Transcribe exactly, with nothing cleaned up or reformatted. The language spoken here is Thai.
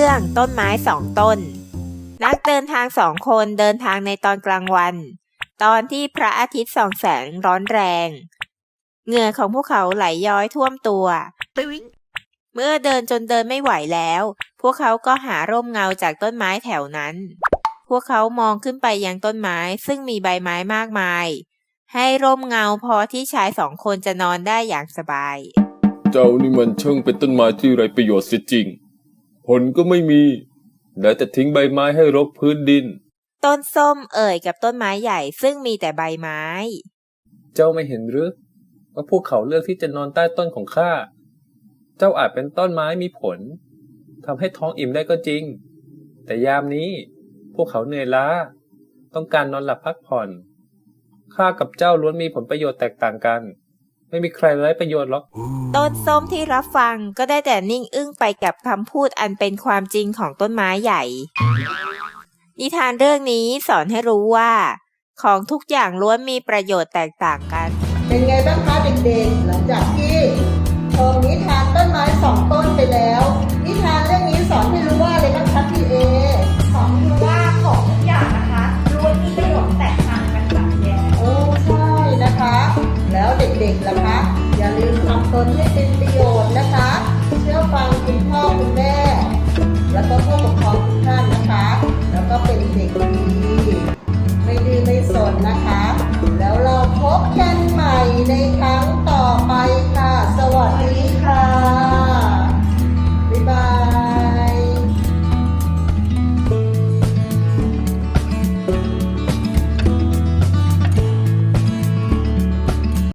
รื่องต้นไม้สองต้นนักเดินทางสองคนเดินทางในตอนกลางวันตอนที่พระอาทิตย์ส่องแสงร้อนแรงเหงื่อของพวกเขาไหลย้อยท่วมตัวเมื่อเดินจนเดินไม่ไหวแล้วพวกเขาก็หาร่มเงาจากต้นไม้แถวนั้นพวกเขามองขึ้นไปยังต้นไม้ซึ่งมีใบไม้มากมายให้ร่มเงาพอที่ชายสองคนจะนอนได้อย่างสบายเจ้านี่มันช่างเป็นต้นไม้ที่ไร้ประโยชน์เสียจริงผลก็ไม่มีได้แต่ทิ้งใบไม้ให้รกพื้นดินต้นส้มเอ่ยกับต้นไม้ใหญ่ซึ่งมีแต่ใบไม้เจ้าไม่เห็นหรือว่าพวกเขาเลือกที่จะนอนใต้ต้นของข้าเจ้าอาจเป็นต้นไม้มีผลทำให้ท้องอิ่มได้ก็จริงแต่ยามนี้พวกเขาเหนื่อยล้าต้องการนอนหลับพักผ่อนข้ากับเจ้าล้วนมีผลประโยชน์แตกต่างกันไม่มีใครไร้ประโยชน์หรอกต้นส้มที่รับฟังก็ได้แต่นิ่งอึ้งไปกับคำพูดอันเป็นความจริงของต้นไม้ใหญ่นิทานเรื่องนี้สอนให้รู้ว่าของทุกอย่างล้วนมีประโยชน์แตกต่างกันเป็นไงบ้างคะเด็กๆหลังจากที่ชมนิทานต้นไม้สองต้นไปแล้วนิทานเรื่องนี้สอนให้รู้ว่าอะไรบ้างคะพี่เอสอนให้รู้ว่าของทุกอย่างนะคะล้วนมีประโยชน์แตกต่างกันแบบนี้โอ้ใช่นะคะแล้วเด็กๆล่ะคะอย่าลืมทำตนให้เป็นประโยชน์นะคะเชื่อฟังคุณพ่อคุณแม่แล้วก็ผู้ปกครองทุกท่านนะคะแล้วก็เป็นเด็กดีไม่ดื้อไม่สนนะคะ